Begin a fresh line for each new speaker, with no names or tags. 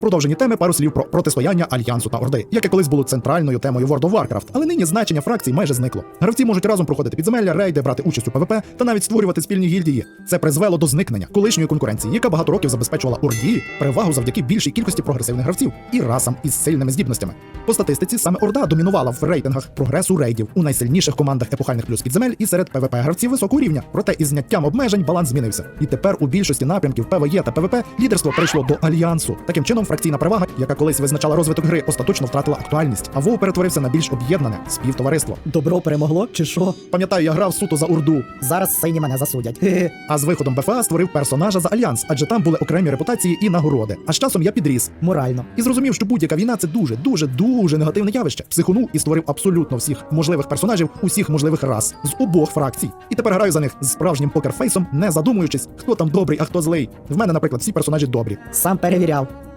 Продовжені теми пару слів про протистояння Альянсу та Орди, яке колись було центральною темою World of Warcraft, але нині значення фракцій майже зникло. Гравці можуть разом проходити підземелля, рейди, брати участь у ПВП та навіть створювати спільні гільдії. Це призвело до зникнення колишньої конкуренції, яка багато років забезпечувала Орді перевагу завдяки більшій кількості прогресивних гравців і расам із сильними здібностями. По статистиці саме Орда домінувала в рейтингах прогресу рейдів у найсильніших командах епохальних плюс підземель і серед ПВП гравців високого рівня. Проте із зняттям обмежень баланс змінився. І тепер у більшості напрямків ПВЕ та ПВП лідерство перейшло до Альянсу. Таким чином, фракційна перевага, яка колись визначала розвиток гри, остаточно втратила актуальність, а WoW перетворився на більш об'єднане співтовариство.
Добро перемогло, чи що?
Пам'ятаю, я грав суто за Орду,
Зараз сині мене засудять.
а з виходом БФА створив персонажа за Альянс, адже там були окремі репутації і нагороди. А з часом я підріс
Морально.
і зрозумів, що будь-яка війна це дуже негативне явище. Психонув і створив абсолютно всіх можливих персонажів усіх можливих рас з обох фракцій. І тепер граю за них з справжнім покерфейсом, не задумуючись, хто там добрий, а хто злий. В мене, наприклад, всі персонажі добрі.
Сам перевіряв.